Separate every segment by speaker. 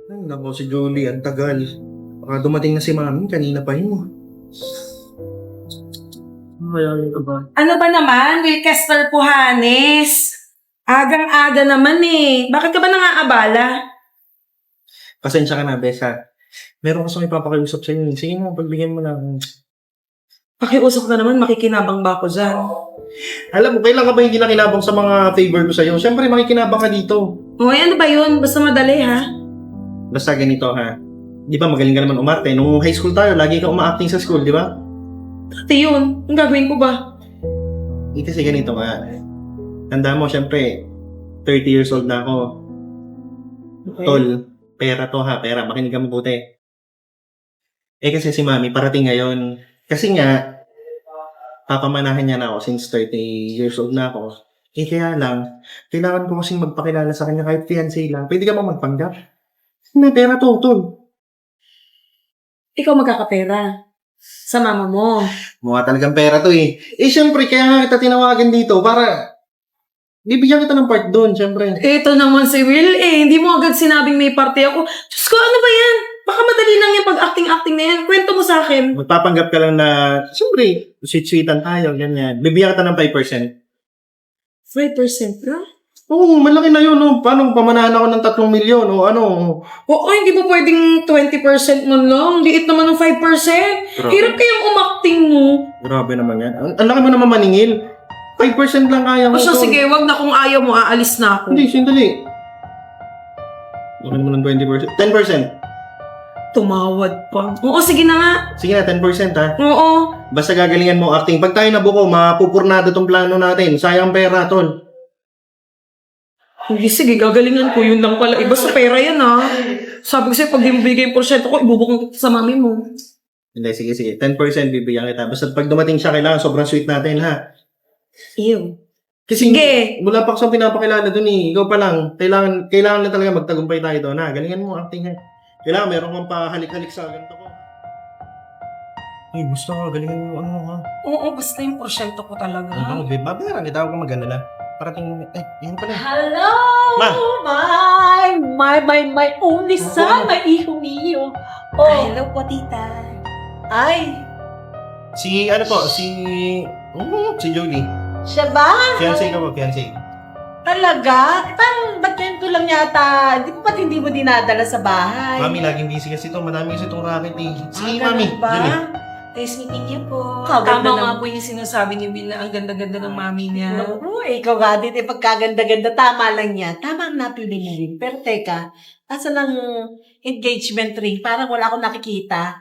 Speaker 1: Ay, naku, si Julie, ang tagal. Baka dumating na si Mami, kanina pa yun. Mayayain ka ba?
Speaker 2: Ano ba naman, Wilkester Puhanes? Agang-aga naman eh. Bakit ka ba nangaabala?
Speaker 1: Pasensya ka na, Besa. Meron kasi may papakiusap sa'yo. Sige mo, pagbigyan mo lang.
Speaker 2: Pakiusap na naman, makikinabang ba ako dyan?
Speaker 1: Alam mo, kailan ka ba hindi nakinabang sa mga favor ko sa'yo? Siyempre, makikinabang ka dito.
Speaker 2: Uy, ano ba yun? Basta madali ha?
Speaker 1: Basta ganito, ha? Di ba, magaling ka naman umarte. Nung high school tayo, lagi ka uma-acting sa school, di ba?
Speaker 2: Dati yun. Ang gagawin ko ba?
Speaker 1: Kasi ganito nga. Tanda mo, siyempre, 30 years old na ako.
Speaker 2: Okay.
Speaker 1: Tol, pera to ha, pera. Makinig ka mabuti. Kasi si Mami, parating ngayon. Kasi nga, papamanahan niya na ako since 30 years old na ako. Kaya lang, kailangan ko kasing magpakilala sa kanya kahit fiancé lang. Pwede ka ba magpanggap? May pera to, tol.
Speaker 2: Ikaw magkakapera. Sa mama mo.
Speaker 1: Mukha talagang pera to eh. Siyempre, kaya nga kita tinawagan dito para bibigyan kita ng part doon, siyempre.
Speaker 2: Ito naman si Will eh. Hindi mo agad sinabing may party ako. Diyos ko, ano ba yan? Baka madali lang yung pag-acting-acting na yan. Kwento mo sa akin.
Speaker 1: Magpapanggap ka lang na, siyempre, sweet-sweetan tayo, ganyan. Bibigyan kita ng 5%.
Speaker 2: 5% ka?
Speaker 1: Oo, malaki na yun, no? Paano pamanahan ako ng 3 milyon o ano?
Speaker 2: Oo, hindi ba pwedeng 20% mo lang? Liit naman ng 5%. Hirap kayang umacting mo.
Speaker 1: Grabe naman yan. Ang laki mo naman maningil. 5% lang kaya mo.
Speaker 2: O siya, sige, wag na kung ayaw mo, aalis na ako.
Speaker 1: Hindi, sandali. Laki mo ng 20%. 10%.
Speaker 2: Tumawad pa. Oo, sige na nga.
Speaker 1: Sige na, 10% ha.
Speaker 2: Oo.
Speaker 1: Basta gagalingan mo acting. Pag tayo nabuko, mapupurnado tong plano natin. Sayang pera, tol.
Speaker 2: Hindi, sige, gagalingan ko. Yun lang pala. Iba sa pera yan, ha? Sabi ko sa'yo, pag di mo bigay yung porsyento ko, ibubukong sa mami mo.
Speaker 1: Hindi, sige. 10% bibigyan kita. Basta pag dumating siya, kailangan sobrang sweet natin, ha?
Speaker 2: Ew.
Speaker 1: Kasi
Speaker 2: Sige.
Speaker 1: wala pa akong pinapakilala dun eh. Ikaw pa lang. Kailangan na talaga magtagumpay tayo doon, ha? Galingan mo acting, ha? Kailangan meron kang pahalik-halik sa ganito ko. Ay, gusto ko. Galingan mo, ano, ha?
Speaker 2: Oo, basta yung porsyento ko talaga.
Speaker 1: Ano, babe? Babayaran kita. Huwag kang mag-alala. Parating, yun pala.
Speaker 3: Hello,
Speaker 1: Ma.
Speaker 3: my only son, my hijo mío. Oh,
Speaker 2: Hello po, tita.
Speaker 3: ay,
Speaker 1: Si Julie.
Speaker 3: siya ba?
Speaker 1: Fiancé ka ba? Fiancé.
Speaker 3: Talaga? Parang ba't yan ko lang yata? Di ba ba't hindi mo dinadala sa bahay?
Speaker 1: Mami, laging busy kasi ito. Madami kasi itong racket eh. Si
Speaker 3: Ah,
Speaker 1: Mami.
Speaker 3: ganun ba?
Speaker 1: Julie.
Speaker 2: Nice meeting you po.
Speaker 3: Kaganda
Speaker 2: Tama nga
Speaker 3: ng-
Speaker 2: po yung sinasabi ni Will na ang ganda-ganda ng mami niya.
Speaker 3: Oo, ikaw nga din, pagkaganda-ganda, tama lang yan. Tama ang napili mo rin. Pero teka, asan ang engagement ring? Parang wala akong nakikita.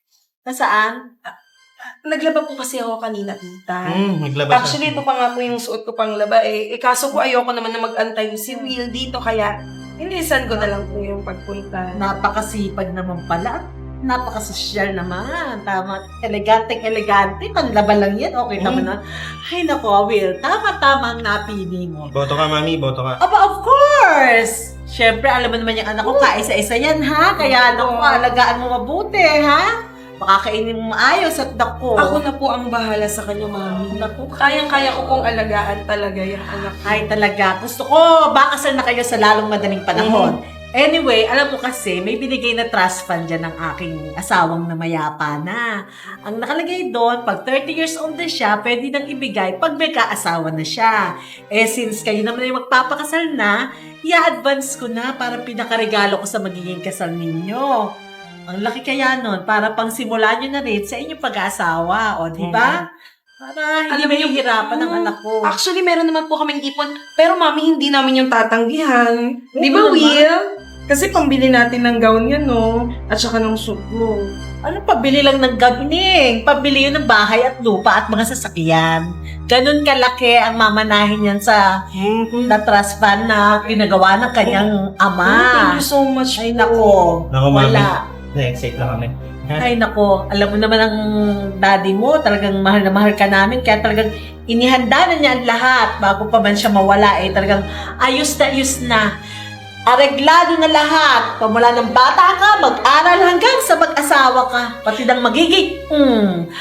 Speaker 3: Nasaan?
Speaker 2: Naglaba po kasi ako kanina, tita.
Speaker 1: Naglabas
Speaker 2: Actually, ito pa nga po yung suot ko pang laba eh. Kaso ko ayoko naman na mag-antay si Will dito, kaya inisan ko na lang po yung pagpunta.
Speaker 3: Napakasipag naman pala. Napakasosyal naman. Tama. Elegante. Panlaban lang yan. Okay naman na. Ay, naku, Will. Tama-tama ang napili mo.
Speaker 1: Boto ka, Mami. Boto ka.
Speaker 3: Aba, of course! Siyempre, alam mo naman yung anak ko, kaisa-isa yan, ha? Kaya, naku, alagaan mo mabuti, ha? Makakainin mo maayos at naku.
Speaker 2: Ako na po ang bahala sa kanya, mami.
Speaker 3: Naku,
Speaker 2: Kayang-kaya ko pong alagaan talaga yung anak ko.
Speaker 3: ay, talaga. Gusto ko, baka kasal na kayo sa lalong madaling panahon. Anyway, alam mo kasi, may binigay na trust fund dyan ng aking asawang na mayapa na. Ang nakalagay doon, pag 30 years old na siya, pwede nang ibigay pag may kaasawa na siya. Since kayo naman ay magpapakasal na, i-advance ko na para pinakaregalo ko sa magiging kasal ninyo. Ang laki kaya nun, para pang simulan nyo na rin sa inyong pag-aasawa, o di ba? Para hindi
Speaker 2: Alam mo yung-
Speaker 3: mahihirapan ng anak ko.
Speaker 2: Actually, meron naman po kaming ipon. Pero mami, hindi namin yung tatanggihan. Di
Speaker 3: Oo
Speaker 2: ba,
Speaker 3: naman.
Speaker 2: Will? Kasi pambili natin ng gown yan, no? At saka ng suit mo.
Speaker 3: Ano, pabili lang ng gabining. Pabili yun ng bahay at lupa at mga sasakyan. Ganun kalaki ang mamanahin yan sa na trust fund na pinagawa ng kanyang ama.
Speaker 2: Thank you so much
Speaker 3: Ay,
Speaker 2: po.
Speaker 3: nako.
Speaker 1: Nako, Mami.
Speaker 3: Wala.
Speaker 1: Excited lang kami.
Speaker 3: Ay, nako. Alam mo naman ang daddy mo, talagang mahal na mahal ka namin. Kaya talagang inihanda na niya ang lahat bago pa man siya mawala. Talagang ayos na. Areglado na lahat. Pamula ng bata ka, mag-aral hanggang sa mag-asawa ka. Pati ng magiging,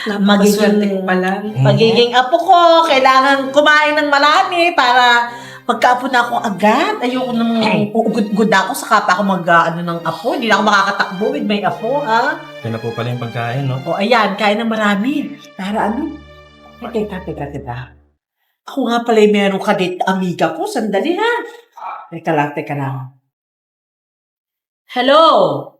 Speaker 2: Napakaswerte ko pala.
Speaker 3: magiging apo ko, kailangan kumain ng marami para Pagkaapo na ako agad, ayoko nang uugod ako sa kapa ako ng apo. Hindi na ako makakatakbo with may apo, ha?
Speaker 1: Yan na po pala yung pagkain, no?
Speaker 3: O ayan, kain ng marami. Para ano? Teka. Ako nga pala yung meron ka dito, amiga ko. Sandali, ha? Teka lang. Hello?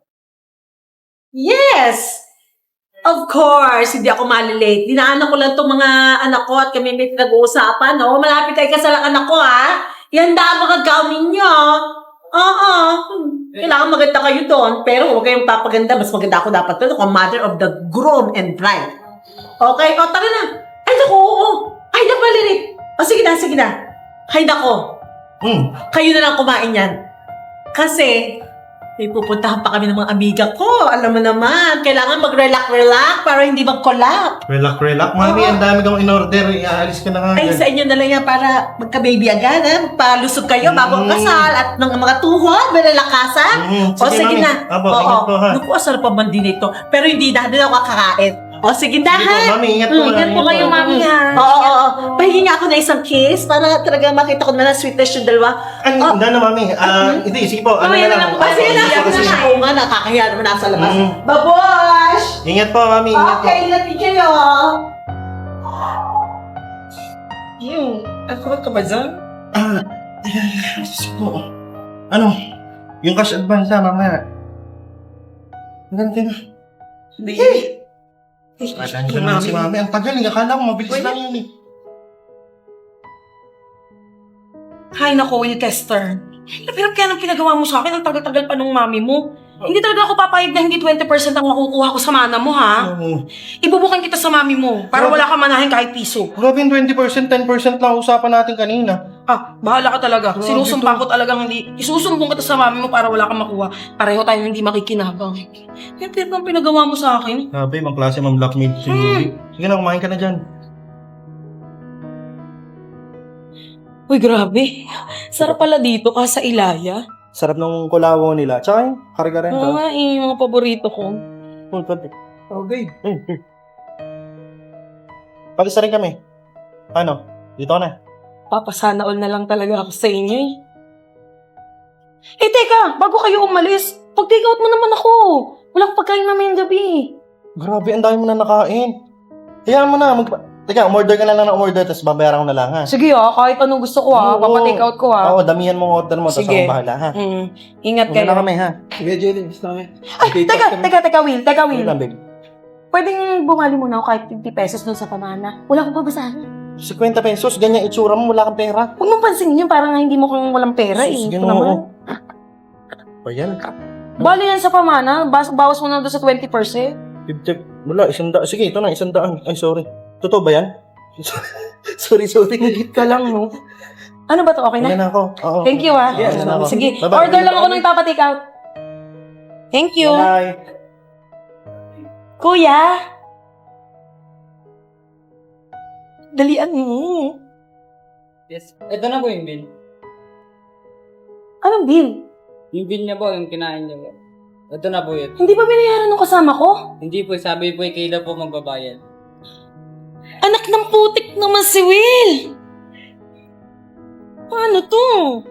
Speaker 3: Yes! Of course, hindi ako malilate. Dinaanan ko lang itong mga anak ko at kami may nag-uusapan, no? Malapit tayo kasal ang anak ko, ha? Ihanda ang mga gown ninyo. Oo. Kailangan maganda kayo doon. Pero huwag kayong papaganda. Mas maganda ako dapat doon. Ako mother of the groom and bride. Okay? O, tara na. Ay, naku, oo. Ay, naku, malilit. O, sige na. Ay, naku. Kayo na lang kumain yan. Kasi, may pupuntahan pa kami ng mga amiga ko. Alam mo naman, kailangan mag-relax para hindi mag-collapse.
Speaker 1: Relax. Mami, ang dami kang in-order. Iaalis ka na nga.
Speaker 3: Ay, sa inyo na lang yan para magka-baby agad, ha? Magpalusog kayo bago ang kasal at ng mga tuhod, malalakasan. O, sige
Speaker 1: Mami.
Speaker 3: na.
Speaker 1: Apo, ingat po, ha?
Speaker 3: Naku, asal pa man din ito. Pero hindi na ako kakakain. O, sige na,
Speaker 1: Sige
Speaker 3: ha?
Speaker 1: po, Mami, ingat po.
Speaker 2: Ingat po kayo, mami, ha?
Speaker 3: Oo. Pahingi nga ako na isang kiss para talaga makita ko na lang sweetness yung dalawa.
Speaker 1: Hindi na, Mami. Hindi, sige po. Ano
Speaker 2: Mamaya
Speaker 1: na
Speaker 2: na
Speaker 1: lang.
Speaker 2: lang.
Speaker 3: Sige na,
Speaker 1: Sige, sige.
Speaker 3: Oo nga, nakakahiya naman nasa labas.
Speaker 1: Mm.
Speaker 3: Babosh!
Speaker 1: Ingat po, Mami. Ingat po.
Speaker 3: Okay, ingat din kayo.
Speaker 2: Ako ka ba dyan?
Speaker 1: Sige po. Ano? Yung cash advance na, mamaya. Ganti na.
Speaker 2: Hindi.
Speaker 1: Pasensya na si Mami. Ang tagal, akala ko mabilis lang yun eh.
Speaker 2: Hay nako, Will Tester. Pero kaya nang pinagawa mo sa akin, ang tagal-tagal pa nung mami mo. Hindi talaga ako papayag na hindi 20% ang makukuha ko sa mana mo, ha?
Speaker 1: Oo.
Speaker 2: Ibubukan kita sa mami mo para wala ka manahin kahit piso.
Speaker 1: Grabe yung 20%, 10% lang usapan natin kanina.
Speaker 2: Ah, bahala ka talaga.
Speaker 1: Grabe
Speaker 2: Sinusumpang
Speaker 1: to.
Speaker 2: ko talagang hindi. Isusumbong kita sa mami mo para wala kang makuha. Pareho tayong hindi makikinabang. Kaya pero ang pinagawa mo sa akin.
Speaker 1: Grabe, ibang klase mang blackmail si Ruby. Sige na, kumain ka na dyan.
Speaker 2: Uy, grabe. Sarap pala dito ka sa Ilaya.
Speaker 1: Sarap ng kulawo nila. Tsaka yung karga rin.
Speaker 2: Oo nga eh, mga paborito ko.
Speaker 1: Okay. Pag-isa rin kami. Ano? Dito na.
Speaker 2: Papasana all na lang talaga ako sa inyo eh. Eh teka, bago kayo umalis, pag-take out mo naman ako. Walang pagkain mamayang gabi.
Speaker 1: Grabe, ang dami mo na nakain. Hayaan mo na. Teka, umorder ka na lang ng umorder, tapos babayaran ko na lang, ha?
Speaker 2: Sige kahit anong gusto ko
Speaker 1: Oo.
Speaker 2: papatake out ko
Speaker 1: Oo, damihan mo ang order mo, tapos
Speaker 2: Sige.
Speaker 1: ako bahala, ha?
Speaker 2: Ingat
Speaker 1: Una
Speaker 2: kayo.
Speaker 1: na kami, ha?
Speaker 4: Sige, Jelly. Gusto namin.
Speaker 2: Ay, teka, Will.
Speaker 1: Sige lang, babe.
Speaker 2: Pwedeng bumali muna ako kahit 50 pesos dun sa pamana. Wala akong babasahin.
Speaker 1: 50 pesos, ganyan itsura mo, wala kang pera.
Speaker 2: Huwag mong pansinin yun, parang hindi mo kung walang pera eh.
Speaker 1: Sige
Speaker 2: Ito
Speaker 1: na,
Speaker 2: naman.
Speaker 1: oo. O yan.
Speaker 2: Bali yan sa pamana, bawas mo na doon sa 20%.
Speaker 1: 50, wala, 100. Sige, ito na, 100. Ay, sorry. Totoo ba yan? sorry.
Speaker 2: Nagit ka lang, no? Ano ba to? Okay
Speaker 1: Wala
Speaker 2: na?
Speaker 1: na ako. Oo.
Speaker 2: Thank you, ah.
Speaker 1: Yes, na ako.
Speaker 2: Sige,
Speaker 1: Bye-bye.
Speaker 2: order lang ako ng papatake out. Thank you.
Speaker 1: Bye.
Speaker 2: Kuya! Dalian mo.
Speaker 4: Yes. Ito na po yung bill.
Speaker 2: Anong bill?
Speaker 4: Yung bill niya po, yung kinain niya po. Ito na po yun.
Speaker 2: Hindi ba binayaran ng kasama ko?
Speaker 4: Hindi po, sabi po Kayla po magbabayad.
Speaker 2: Anak ng putik naman si Will! Paano to?